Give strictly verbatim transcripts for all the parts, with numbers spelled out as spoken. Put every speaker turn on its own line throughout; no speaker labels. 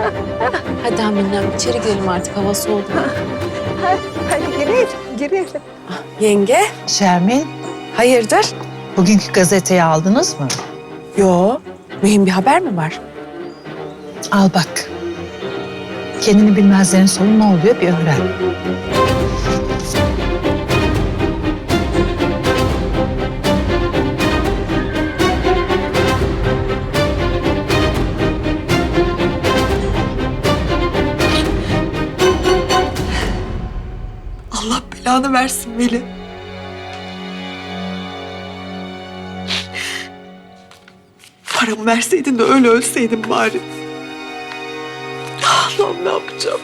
Hadi Aminem içeri girelim artık, hava soğudu.
Hadi girelim, girelim.
Yenge.
Şermin, hayırdır? Bugünkü gazeteyi aldınız mı?
Yo, mühim bir haber mi var?
Al bak. Kendini bilmezlerin sonu ne oluyor bir öğren.
Allah belanı versin Veli. Paramı verseydin de öyle ölseydin bari. Allah'ım ne yapacağım?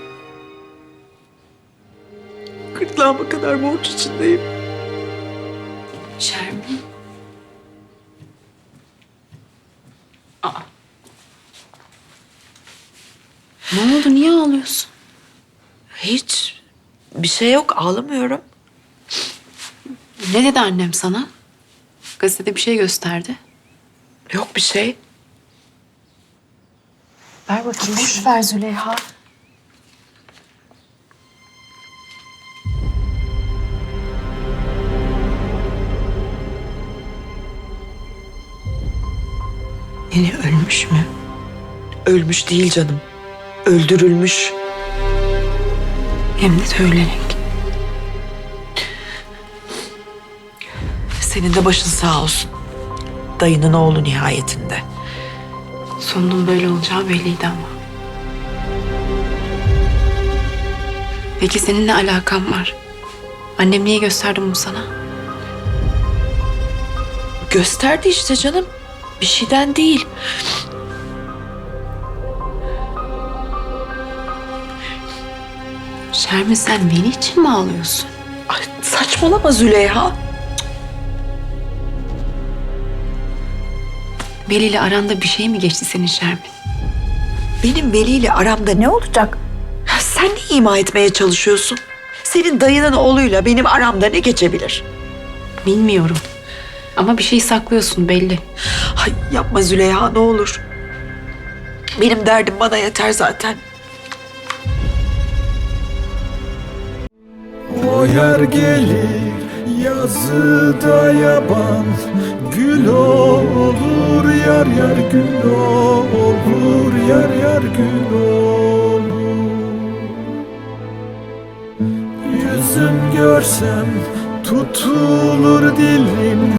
Gırtlağıma kadar borç içindeyim.
Şermin. Aa. Ne oldu, niye ağlıyorsun?
Hiç bir şey yok, ağlamıyorum.
Ne dedi annem sana? Gazetede bir şey gösterdi.
Yok bir şey.
Ver bakayım.
Boş ver Züleyha.
Veli ölmüş mü? Ölmüş değil canım. Öldürülmüş.
Hem de söylenerek.
Senin de başın sağ olsun. Dayının oğlu nihayetinde.
Sonunun böyle olacağı belliydi ama. Peki senin ne alakan var? Annem niye gösterdi bunu sana?
Gösterdi işte canım. Bir şeyden değil.
Şermin, sen beni için mi ağlıyorsun?
Ay, saçmalama Züleyha.
Veli ile aranda bir şey mi geçti senin Şermin?
Benim Veli ile aramda ne olacak? Ya sen ne ima etmeye çalışıyorsun? Senin dayının oğluyla benim aramda ne geçebilir?
Bilmiyorum. Ama bir şey saklıyorsun belli.
Ay yapma Züleyha ne olur. Benim derdim bana yeter zaten.
O yer gelir yazıda yaban, gül olur yar yar gül olur yar yar gül olur. Yüzüm görsem tutulur dilim.